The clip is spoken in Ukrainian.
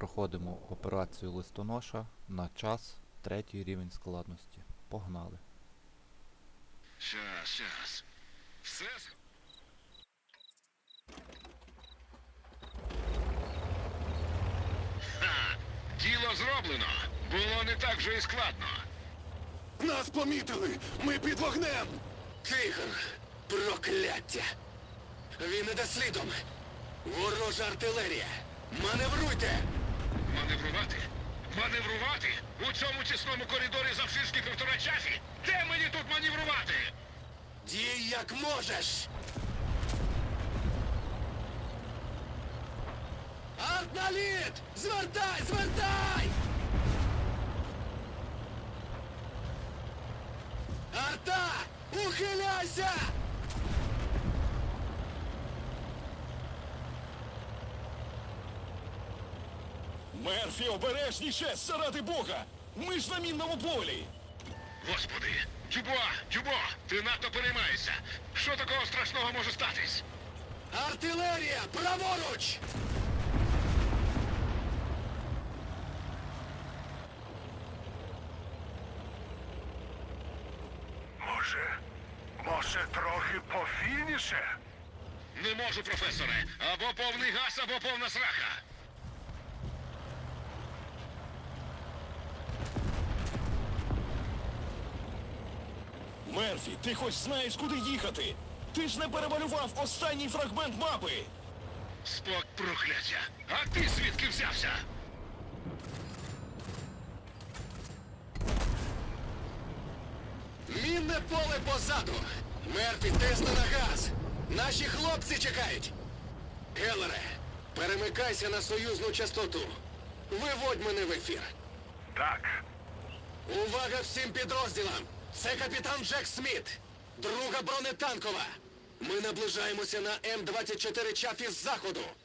проходимо операцію листоноша на час, 3-й рівень складності. Погнали. Щас. Все? Ха! Діло зроблено. Було не так вже і складно. Нас помітили! Ми під вогнем! Тигр! Прокляття! Він іде слідом! Ворожа артилерія! Маневруйте! Маневрувати? Маневрувати? У цьому тісному коридорі завширшки 1,5 часі? Де мені тут маневрувати? Дій як можеш! Артналіт! Звертай! Звертай! Арта! Ухиляйся! Мерфі, обережніше! Заради Бога! Ми ж на мінному полі! Господи! Дюбуа, ти надто переймаєшся. Що такого страшного може статись? Артилерія! Праворуч! Може, трохи повільніше? Не можу, професоре. Або повний газ, або повна сраха. Мерфі, ти хоч знаєш, куди їхати? Ти ж не перемалював останній фрагмент мапи! Спок прокляття. А ти звідки взявся? Мінне поле позаду! Мерфі, тисни на газ! Наші хлопці чекають! Гелере, перемикайся на союзну частоту. Виводь мене в ефір. Так. Увага всім підрозділам! Це капітан Джек Сміт, друга бронетанкова. Ми наближаємося на М-24 Чафі з заходу.